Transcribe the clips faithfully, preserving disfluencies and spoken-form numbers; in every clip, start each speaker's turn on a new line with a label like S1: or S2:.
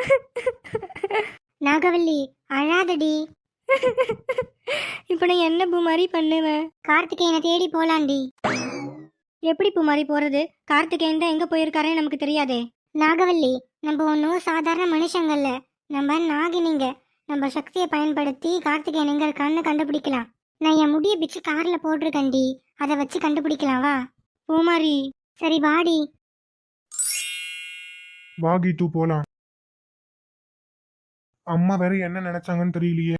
S1: நாகவல்லி அழாதடி.
S2: இப்போ நான் என்ன பூமாரி பண்ணுவேன்?
S1: கார்த்திகேயனை தேடி போலாண்டி.
S2: எப்படி பூமாரி போறது? கார்த்திகேயன் தான் எங்க போயிருக்காருன்னு நமக்கு தெரியாதே.
S1: நாகவல்லி, நம்ம ஒன்றும் சாதாரண மனுஷங்கள்ல, நம்ம நாகினிங்க. நம்ம சக்தியை பயன்படுத்தி கார்த்திகேயன் எங்க இருக்கான்னு கண்டுபிடிக்கலாம். நான் என் முடியை பிச்சு கார்ல போட்டிருக்கேன்டி, அதை வச்சு கண்டுபிடிக்கலாம். வா
S2: பூமாரி.
S1: சரி வாடி.
S3: வா கீது போலாம். அம்மா வேற என்ன நினைச்சாங்கன்னு தெரியலையே.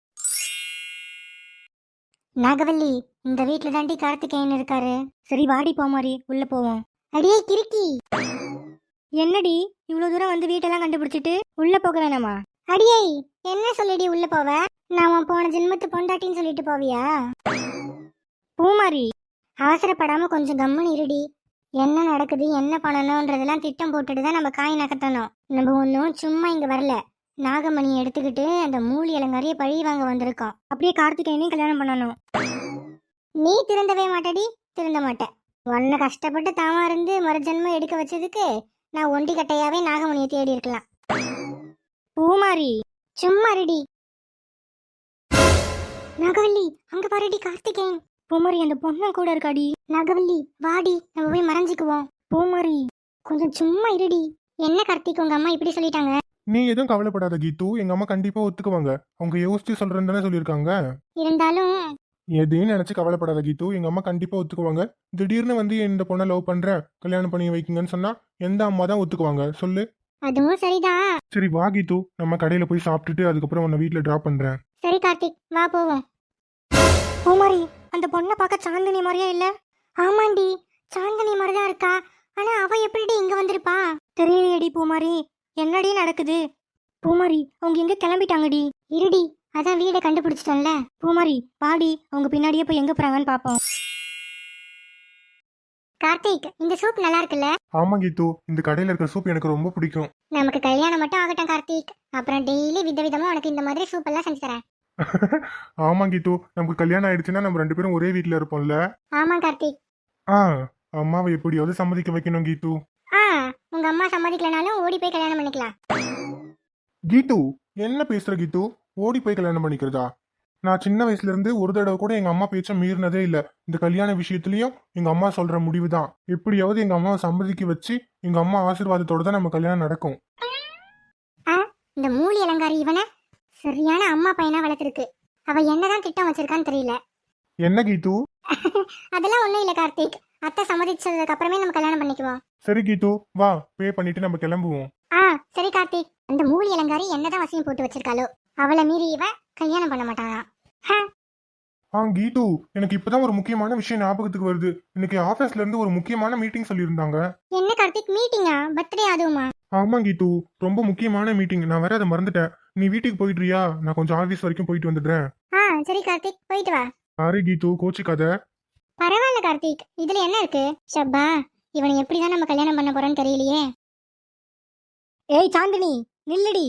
S1: நாகவல்லி, இந்த வீட்டுல தாண்டி கார்த்திகேயன் இருக்காரு.
S2: சரி வாடி பூமாரி, உள்ள போவோம்.
S1: அடியே கிறுக்கி,
S2: என்னடி இவ்வளவு தூரம் வந்து வீட்டெல்லாம் கண்டுபிடிச்சிட்டு உள்ள போக வேணாமா?
S1: அடியே என்ன சொல்லிடி உள்ள போவ? நான் உன் போன ஜென்மத்து பொண்டாட்டின்னு சொல்லிட்டு போவியா?
S2: பூமாரி,
S1: அவசரப்படாம கொஞ்சம் கம்முன்னு இருடி. என்ன நடக்குது, என்ன பண்ணணும்ன்றதெல்லாம் திட்டம் போட்டுட்டு தான் நம்ம காய் நகர்த்தணும். நம்ம ஒன்றும் சும்மா இங்க வரல. நாகமணியை எடுத்துக்கிட்டு அந்த மூலி அலங்காரிய பழி வாங்க வந்திருக்கோம்.
S2: அப்படியே கார்த்திகேயனையும் கல்யாணம் பண்ணணும்.
S1: நீ திருந்தவே மாட்டடி, திருந்த மாட்டேன். உன்னை கஷ்டப்பட்டு தாமா இருந்து மறுஜென்மம் எடுக்க வச்சதுக்கு நான் ஒண்டி கட்டையாவே நாகமணியை தேடி இருக்கலாம்.
S2: பூமாரி,
S1: சும்மா இருடி. நாகவல்லி, அங்க பாருடி கார்த்திகேயன்.
S2: பூமாரி அந்த பொண்ணு கூட இருக்காடி.
S1: நாகவல்லி வாடி, நம்ம போய் மறைஞ்சுக்குவோம்.
S2: பூமாரி,
S1: கொஞ்சம் சும்மா இருடி. என்ன கார்த்திக், உங்க அம்மா இப்படி சொல்லிட்டாங்க?
S3: நீ எதுவும் கவலைப்படாத கீது, எங்க அம்மா கண்டிப்பா ஒத்துக்குவாங்க. அவங்க யோசிச்சு சொல்றேன்னு தானே சொல்லியிருக்காங்க.
S1: இருந்தாலும்
S3: எதையும் நினைச்சு கவலைப்படாத கீது, எங்க அம்மா கண்டிப்பா ஒத்துக்குவாங்க. திடீர்னு வந்து இந்த பொண்ணை லவ் பண்றேன், கல்யாணம் பண்ணி வைக்குங்கன்னு சொன்னா எந்த அம்மா தான் ஒத்துக்குவாங்க சொல்லு?
S1: அதுவும் சரிதான்.
S3: சரி வா கீது, நம்ம கடையில போய் சாப்பிட்டுட்டு அதுக்கப்புறம் உன்னை வீட்டுல டிராப் பண்றேன்.
S1: சரி கார்த்திக், வா போவோம்.
S2: பூமாரி, அந்த பொண்ணை பார்க்க சாந்தினி மாதிரியா இல்ல?
S1: ஆமாண்டி, சாந்தினி மாதிரிதான் இருக்கா. ஆனா அவ எப்படி இங்க வந்திருப்பா?
S2: தெரியலையடி பூமாரி, என்னடி நடக்குது? பூமாரி, அவங்க எங்க கிளம்பிட்டாங்கடி.
S1: இருடி, அதான் வீடை கண்டுபிடிச்சிட்டோம்ல.
S2: பூமாரி பாடி, அவங்க பின்னாடியே போய் எங்க போறாங்கன்னு பாப்போம்.
S1: கார்த்திக், இந்த சூப் நல்லா இருக்குல்ல?
S3: ஆமா கீது, இந்த கடையில இருக்க சூப் எனக்கு ரொம்ப பிடிக்கும்.
S1: நமக்கு கல்யாணம் மட்டும் ஆகட்டும் கார்த்திக், அப்புறம் டெய்லி விதவிதமா உனக்கு இந்த மாதிரி சூப் எல்லாம் செஞ்சு தரேன்.
S3: ஆமா கீது, நமக்கு கல்யாணம் ஆயிடுச்சுன்னா நம்ம ரெண்டு பேரும் ஒரே வீட்டுல இருப்போம்ல.
S1: ஆமா கார்த்திக்.
S3: ஆ, அம்மாவை எப்படியாவது சம்மதிக்க வைக்கணும் கீது.
S1: ஆ, உங்க அம்மா சம்மதிக்கலனாலும் ஓடி போய் கல்யாணம் பண்ணிக்கலாம்.
S3: கீது, என்ன பேசுற கீது? ஓடி போய் கல்யாணம் பண்ணிக்கிறதா? நான் சின்ன வயசுல இருந்து ஒரு தடவை கூட எங்க அம்மா பேச்ச மீறினதே இல்ல. இந்த கல்யாண விஷயத்திலயும் எங்க அம்மா சொல்ற முடிவு தான். எப்படியாவது எங்க அம்மாவை சம்மதிக்க வச்சு எங்க அம்மா ஆசீர்வாதத்தோட தான் நம்ம கல்யாணம் நடக்கும்.
S1: ஆ, இந்த மூலி அலங்காரி இவனை சரியான அம்மா பையனா வளர்த்துருக்கு. அவ என்னதான் திட்டம் வச்சிருக்கான்னு தெரியல.
S3: என்ன கீது?
S1: அதெல்லாம் ஒண்ணும் இல்ல கார்த்திக், அத்தை சம்மதிச்சதுக்கு அப்புறமே நம்ம கல்யாணம் பண்ணிக்குவோம்.
S3: சரி கீது, வா பே பண்ணிட்டு நம்ம கிளம்புவோம்.
S1: ஆ சரி கார்த்திக். அந்த மூலி அலங்காரி என்னதான் வசியம் போட்டு வச்சிருக்காளோ, அவளை மீறி இவ கல்யாணம் பண்ண மாட்டானா?
S3: ஆ கீது, எனக்கு இப்பதான் ஒரு முக்கியமான விஷயம் ஞாபகத்துக்கு வருது. இன்னைக்கு ஆபீஸ்ல இருந்து ஒரு முக்கியமான மீட்டிங் சொல்லியிருந்தாங்க.
S1: என்ன கார்த்திக், மீட்டிங்கா? பர்த்டே அதுவுமா?
S3: ஆமா கீது, ரொம்ப முக்கியமான மீட்டிங். நான் வேற அதை மறந்துட்டேன். நீ வீட்டுக்கு போயிடுறியா? நான் கொஞ்சம் ஆபீஸ் வரைக்கும் போயிட்டு வந்துடுறேன்.
S1: ஆ சரி கார்த்திக், போயிட்டு வா.
S3: சாரி கீது, கோச்சிக்காத.
S1: பரவாயில்ல கார்த்திக், இதுல என்ன இருக்கு? ஷப்பா, இவனை எப்படிதான் நம்ம கல்யாணம் பண்ண போறோன்னு தெரியலையே.
S2: ஏய் சாந்தினி, நில்லுடி.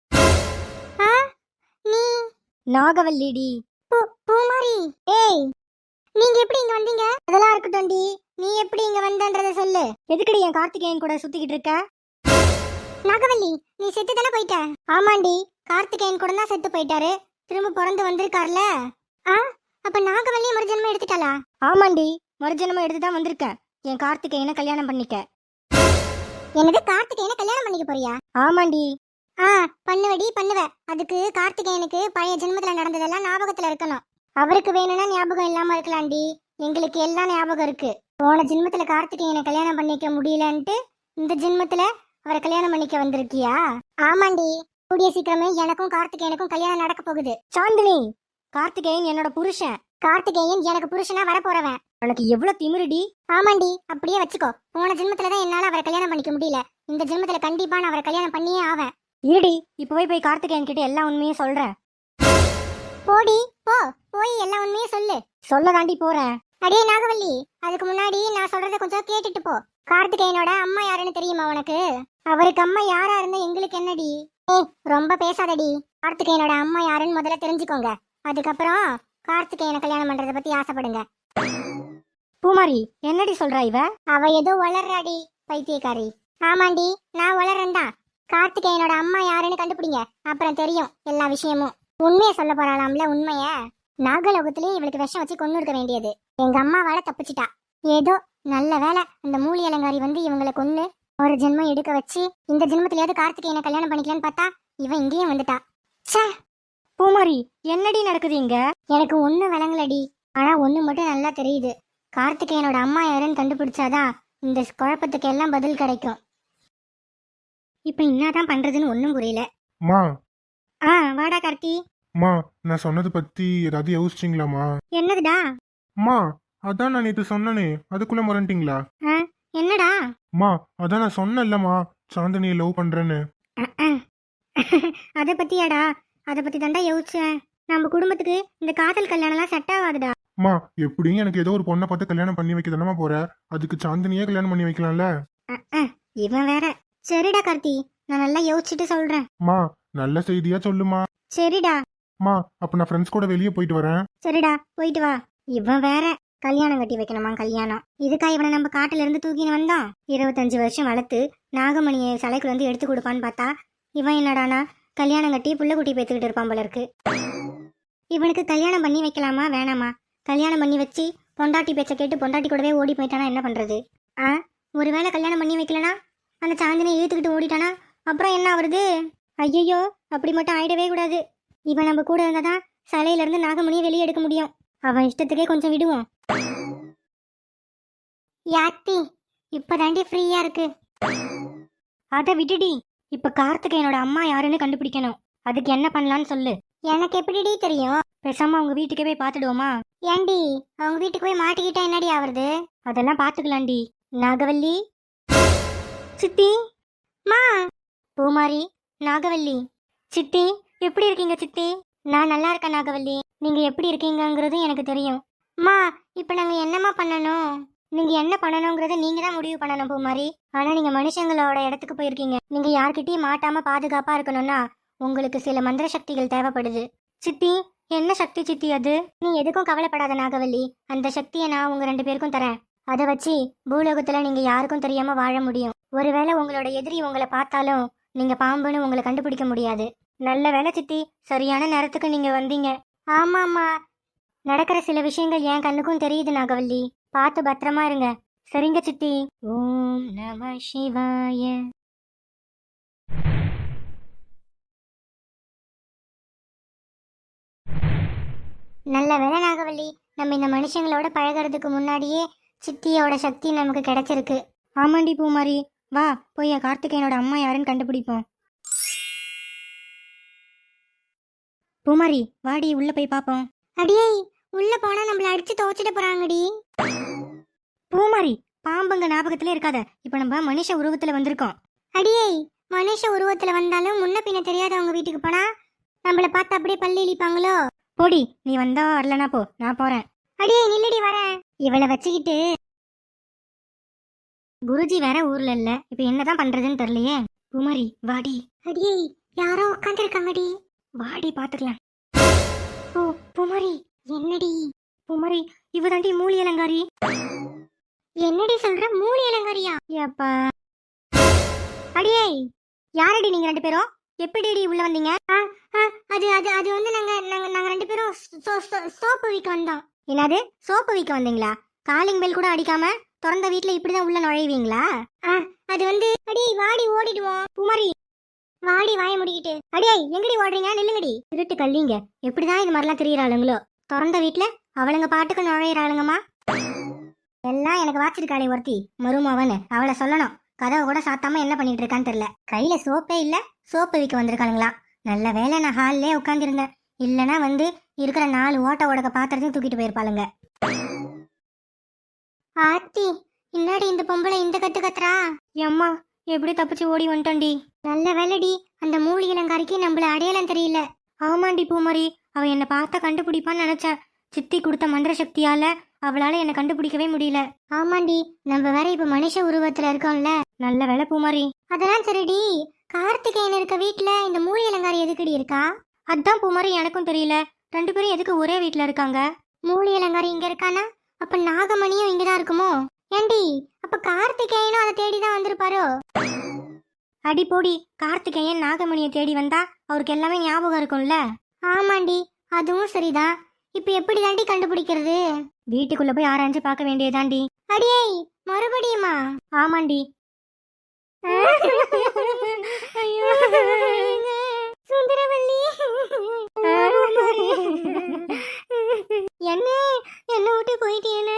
S1: ஆ, நீ
S2: நாகவல்லிடி.
S1: பூ- பூமாரி. ஏய், நீங்க எப்படி இங்க வந்தீங்க? அதெல்லாம் இருக்கட்டும்டி, நீ எப்படி இங்க வந்தன்றத சொல்லு.
S2: எதுக்குடி என் கார்த்திகேயன் கூட சுத்திக்கிட்டு இருக்க?
S1: நாகவல்லி, நீ செத்து தானே போயிட்ட? ஆமாண்டி, கார்த்திகேயன் கூட தான் செத்து போயிட்டாரு. திரும்ப பிறந்து வந்திருக்காருல. ஆ, அப்ப நாகவல்லி மறுஜென்மம் எடுத்துட்டாளா?
S2: ஆமாண்டி, மறுஜனமா எடுத்துதான் வந்திருக்கேன். என் கார்த்திகேயனை கல்யாணம் பண்ணிக்க.
S1: என்னது, கார்த்திகேயனை கல்யாணம் பண்ணிக்க போறியா?
S2: ஆமாண்டி.
S1: ஆ, பண்ணுவடி பண்ணுவ. அதுக்கு கார்த்திகேயனுக்கு பழைய ஜென்மத்துல நடந்ததெல்லாம் ஞாபகத்துல இருக்கணும். அவருக்கு வேணும்னா ஞாபகம் இல்லாம இருக்கலாம்டி, எங்களுக்கு எல்லாம் ஞாபகம் இருக்கு. போன ஜென்மத்துல கார்த்திகேயனை கல்யாணம் பண்ணிக்க முடியலன்ட்டு இந்த ஜென்மத்துல அவரை கல்யாணம் பண்ணிக்க வந்திருக்கியா? ஆமாண்டி, கூடிய சீக்கிரமே எனக்கும் கார்த்திகேயனுக்கும் கல்யாணம் நடக்க போகுது.
S2: சாந்தினி, கார்த்திகேயன் என்னோட புருஷன்.
S1: கார்த்திகேயன் எனக்கு புருஷனா வர போறவன்.
S2: உனக்கு எவ்வளவு திமிருடி?
S1: ஆமாண்டி, அப்படியே வச்சுக்கோ. போன ஜென்மத்துலதான் என்னால அவரை கல்யாணம் பண்ணிக்க முடியல, இந்த ஜென்மத்துல கண்டிப்பா நான் அவரை கல்யாணம் பண்ணியே ஆவேன்.
S2: இருடி, இப்பவே போய் கார்த்திகேயன் கிட்ட எல்லா உண்மையும் சொல்றேன்.
S1: போடி போ, போய் எல்லா உண்மையும் சொல்லு.
S2: சொல்ல தாண்டி போறேன்.
S1: அடே நாகவல்லி, அதுக்கு முன்னாடி நான் சொல்றத கொஞ்சம் கேட்டுட்டு போ. கார்த்திகேயனோட அம்மா யாருன்னு தெரியுமா உனக்கு? அவருக்கு அம்மா யாரா இருந்தா எங்களுக்கு என்னடி? ஏய், ரொம்ப பேசாதடி. கார்த்திகேயனோட அம்மா யாருன்னு முதல்ல தெரிஞ்சுக்கோங்க, அதுக்கப்புறம் கார்த்திகேயனை கல்யாணம் பண்றத பத்தி ஆசைப்படுங்க.
S2: பூமாரி, என்னடி சொல்றா இவ?
S1: அவ ஏதோ வளர்றாடி, பைத்தியக்காரி. ஆமாண்டி, நான் வளர்றேன்டா. கார்த்திகேயனோட அம்மா யாருன்னு கண்டுபிடிங்க, அப்புறம் தெரியும் எல்லா விஷயமும். உண்மையை சொல்ல போறாளாம்ல, உண்மைய. நாகலோகத்திலேயே இவளுக்கு விஷம் வச்சு கொண்டு இருக்க வேண்டியது. எங்க அம்மாவால தப்பிச்சிட்டா. ஏதோ நல்ல வேலை அந்த மூலி அலங்காரி வந்து இவங்களை கொன்னு ஒரு ஜென்மம் எடுக்க வச்சு இந்த ஜென்மத்திலேயாவது கார்த்திகேயனை கல்யாணம் பண்ணிக்கலான்னு பார்த்தா இவன் இங்கேயும் வந்துட்டா. ச்சே,
S2: பூமாரி என்னடி நடக்குது இங்க?
S1: எனக்கு ஒன்றும் விளங்கலடி. ஆனா ஒண்ணு மட்டும் நல்லா தெரியுது. கார்த்திகேயனோட அம்மா யாருன்னு கண்டுபிடிச்சாதான் இந்த குழப்பத்துக்கு எல்லாம் பதில் கிடைக்கும். இப்ப என்னதான் பண்றதுன்னு ஒன்றும் புரியல.
S3: மா
S1: ஆ வாடா கார்த்தி.
S3: மா நான் சொன்னது பத்தி ஏதாவது யோசிச்சிங்களாமா?
S1: என்னதுடா?
S3: மா அதான் நான் நேற்று சொன்னனே, அதுக்குள்ள மறந்துட்டீங்களா?
S1: ஆ, என்னடா?
S3: மா அதான் நான் சொன்னேன்லம்மா, சாந்தினியை லவ் பண்றேன்னு.
S1: அத பத்தியாடா? அத பத்தி தாண்டா யோசிச்சேன். நம்ம குடும்பத்துக்கு இந்த காதல் கல்யாணம்லாம் செட் ஆகாதுடா.
S3: மா எப்படியும் எனக்கு ஏதோ ஒரு பொண்ணை பார்த்து கல்யாணம் பண்ணி வைக்க தானமா போற, அதுக்கு சாந்தினியே கல்யாணம் பண்ணி வைக்கலாம்ல.
S1: இவன் வேற. சரிடா கார்த்தி, நான் நல்லா யோசிச்சுட்டு சொல்றேன்.
S3: மா நல்ல செய்தியா சொல்லுமா.
S1: சரிடா.
S3: மா அப்ப நான் ஃப்ரெண்ட்ஸ் கூட வெளியே போயிட்டு வரேன்.
S1: சரிடா, போயிட்டு வா. இவன் வேற கல்யாணம் கட்டி வைக்கணுமா? கல்யாணம் இதுக்கா இவனை நம்ம காட்டுல இருந்து தூக்கின்னு வந்தோம்? இருபத்தஞ்சு வருஷம் வளர்த்து நாகமணியை சிலைக்குள்ள இருந்து எடுத்து கொடுப்பான்னு பார்த்தா இவன் என்னடானா கல்யாணம் கட்டி புள்ள குட்டி பேத்துக்கிட்டு இருப்பான் போல இருக்கு. இவனுக்கு கல்யாணம் பண்ணி வைக்கலாமா வேணாமா? கல்யாணம் பண்ணி வச்சு பொண்டாட்டி பேச்ச கேட்டு பொண்டாட்டி கூடவே ஓடி போயிட்டானா என்ன பண்றது? ஆ, ஒருவேளை கல்யாணம் பண்ணி வைக்கலனா அந்த சாந்தினியை இழுத்துக்கிட்டு ஓடிட்டானா அப்புறம் என்ன ஆகுறது? ஐயோ, அப்படி மட்டும் ஆயிடவே கூடாது. இவன் நம்ம கூட இருந்தாதான் சிலையில இருந்து நாகமணியை வெளியே எடுக்க முடியும். அவன் இஷ்டத்துக்கே கொஞ்சம் விடுவோம். யாத்தி, இப்பதாண்டி ஃப்ரீயா இருக்கு.
S2: அதை விட்டுடி. இப்ப கார்த்திகேயனோட அம்மா யாருன்னு கண்டுபிடிக்கணும். அதுக்கு என்ன பண்ணலான்னு சொல்லு.
S1: எனக்கு எப்படிடி தெரியும்?
S2: பேசாம அவங்க வீட்டுக்கே போய் பாத்துடுவோமா?
S1: ஏண்டி, அவங்க வீட்டுக்கு போய் மாட்டிக்கிட்டா என்னடி ஆவறது?
S2: அதெல்லாம் பாத்துக்கலாண்டி. நாகவல்லி, சித்தி,
S1: மா,
S2: பூமாரி, நாகவல்லி. சித்தி எப்படி இருக்கீங்க சித்தி?
S1: நான் நல்லா இருக்கேன் நாகவல்லி.
S2: நீங்க எப்படி இருக்கீங்கங்கிறது எனக்கு தெரியும்.
S1: மா, இப்ப நாங்க என்னமா பண்ணணும்? நீங்க என்ன பண்ணணுங்கிறத நீங்க தான் முடிவு பண்ணணும் பூமாரி. ஆனா நீங்க மனுஷங்களோட இடத்துக்கு போயிருக்கீங்க. நீங்க யார்கிட்டயும் மாட்டாம பாதுகாப்பா இருக்கணும்னா உங்களுக்கு சில மந்திர சக்திகள் தேவைப்படுது.
S2: சித்தி என்ன சக்தி சித்தி அது?
S1: நீ எதுக்கும் கவலைப்படாத நாகவல்லி. அந்த சக்தியை நான் உங்க ரெண்டு பேருக்கும் தரேன். அதை வச்சு பூலோகத்துல நீங்க யாருக்கும் தெரியாம வாழ முடியும். ஒருவேளை உங்களோட எதிரி உங்களை பார்த்தாலும் நீங்க பாம்புன்னு உங்களை கண்டுபிடிக்க முடியாது.
S2: நல்ல வேலை சித்தி, சரியான நேரத்துக்கு நீங்க வந்தீங்க.
S1: ஆமாமா, நடக்கிற சில விஷயங்கள் என் கண்ணுக்கும் தெரியுது நாகவல்லி. பார்த்து பத்திரமா இருங்க.
S2: சரிங்க சித்தி. ஓம் நம சிவாய.
S1: நல்ல வேலை நாகவல்லி, நம்ம இந்த மனுஷங்களோட பழகிறதுக்கு முன்னாடியே சித்தியோட சக்தி நமக்கு கிடைச்சிருக்கு.
S2: ஆமாண்டி பூமாரி, வா போய் கார்த்திகேயனோட அம்மா யாருன்னு கண்டுபிடிப்போம். பூமாரி வாடி, உள்ள போய் பாப்போம்.
S1: அடியே, உள்ள போனா நம்மள அடிச்சு துவச்சிட்டு போறாங்கடி.
S2: பூமாரி, பாம்புங்க ஞாபகத்திலே இருக்காத. இப்ப நம்ம மனுஷ உருவத்துல வந்திருக்கோம்.
S1: அடியே, மனுஷ உருவத்துல வந்தாலும் முன்ன பின்ன தெரியாதவங்க வீட்டுக்கு போனா நம்மள பார்த்து அப்படியே பல்லி இழிப்பாங்களோ?
S2: போடி, நீ வந்தா வரலனா போ, நான் போறேன்.
S1: அடியே நில்லடி, வரேன். இவளை வச்சுக்கிட்டு
S2: குருஜி வேற ஊர்ல இல்ல, இப்ப என்னதான் பண்றதுன்னு தெரியலையே. பூமாரி வாடி.
S1: அடியே, யாரோ உட்காந்துருக்காங்கடி.
S2: வாடி பாத்துக்கலாம்.
S1: ஓ பூமாரி, என்னடி?
S2: பூமாரி, இவதாண்டி மூலி அலங்காரி.
S1: என்னடி சொல்ற? மூலி அலங்காரியா?
S2: ஏப்பா.
S1: அடியே,
S2: யாரடி நீங்க ரெண்டு பேரும்? எப்படி உள்ள வந்தீங்க?
S1: அது அது அது வந்து நாங்க நாங்க நாங்க ரெண்டு பேரும் சோப்பு விற்க வந்தோம்.
S2: என்னது, சோப்பு விற்க வந்தீங்களா? காலிங் பெல் கூட அடிக்காம திறந்த வீட்டுல இப்படிதான் உள்ள நுழைவீங்களா?
S1: அது வந்து அடி வாடி ஓடிடுவோம்.
S2: பூமாரி
S1: வாடி வாய முடிக்கிட்டு.
S2: அடியே, எங்கடி ஓடுறீங்க? நில்லுங்கடி. திருட்டு கல்லிங்க, எப்படிதான் இது மாதிரிலாம் தெரியறாளுங்களோ. திறந்த வீட்டுல அவளுங்க பாட்டுக்கு நுழையிறாளுங்கம்மா. எல்லாம் எனக்கு வாச்சிருக்காளே ஒருத்தி மருமவன்னு, அவளை சொல்லணும். கதவை கூட சாத்தாம என்ன பண்ணிட்டு இருக்கான்னு தெரியல. கையில சோப்பே இல்ல, சோப்பு விற்க வந்திருக்காளுங்களா? நல்ல வேலை நான் ஹால்லே உட்காந்துருந்தேன். இல்லைன்னா வந்து இருக்கிற நாலு ஓட்ட ஓடக்க பாத்திரத்தையும் தூக்கிட்டு போயிருப்பாளுங்க.
S1: ஆத்தி, இன்னாடி இந்த பொம்பளை இந்த கத்து கத்துறா?
S2: அம்மா, எப்படி தப்பிச்சு ஓடி வந்துட்டோண்டி.
S1: நல்ல வேலைடி, அந்த மூலி இளங்காரிக்கு நம்மள அடையாளம் தெரியல.
S2: ஆமாண்டி பூமாரி, அவ என்னை பார்த்தா கண்டுபிடிப்பான்னு நினைச்சேன். சித்தி கொடுத்த மந்திர சக்தியால அவளால என்னை கண்டுபிடிக்கவே முடியல.
S1: ஆமாண்டி, நம்ம வேற இப்ப மனுஷ உருவத்துல இருக்கோம்ல.
S2: நல்ல வேலை பூமாரி.
S1: அதெல்லாம் சரிடி, கார்த்திகேயன் இருக்க வீட்டுல இந்த மூலி இளங்காரி எதுக்குடி இருக்கா?
S2: அதான் பூமாரி, எனக்கும் தெரியல. ரெண்டு பேரும் எதுக்கு ஒரே வீட்டுல இருக்காங்க?
S1: மூலி இளங்காரி இங்க இருக்கானா, அப்ப நாகமணியும் இங்கதான் இருக்குமோ? ஏண்டி, அப்ப கார்த்திகேயனும் அதை தேடிதான் வந்திருப்பாரோ?
S2: அடி போடி, கார்த்திகேயன் நாகமணியை தேடி வந்தா அவருக்கு எல்லாமே ஞாபகம் இருக்கும்ல.
S1: ஆமாண்டி, அதுவும் சரிதான். இப்ப எப்படி தாண்டி கண்டுபிடிக்கிறது?
S2: வீட்டுக்குள்ள போய் ஆராய்ஞ்சு பார்க்க வேண்டியதாண்டி.
S1: அடியே, மறுபடியுமா?
S2: ஆமாண்டி.
S1: ஐயோ சுந்தரவல்லி, என்ன என்ன விட்டு போயிட்டேன்னு.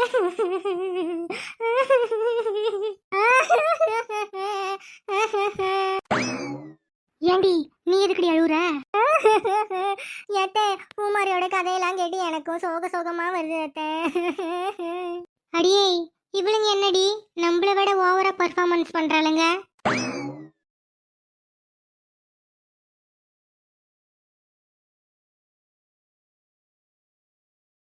S2: ஏண்டி நீ எதுக்கடி அழுவுற?
S1: ஏத்தே, பூமாரியோட கதையெல்லாம் கேட்டு எனக்கும் சோக சோகமா வருது அத்தை. அடியே, இவளுங்க என்னடி நம்மள விட ஓவரா பர்ஃபார்மன்ஸ் பண்றாளுங்க?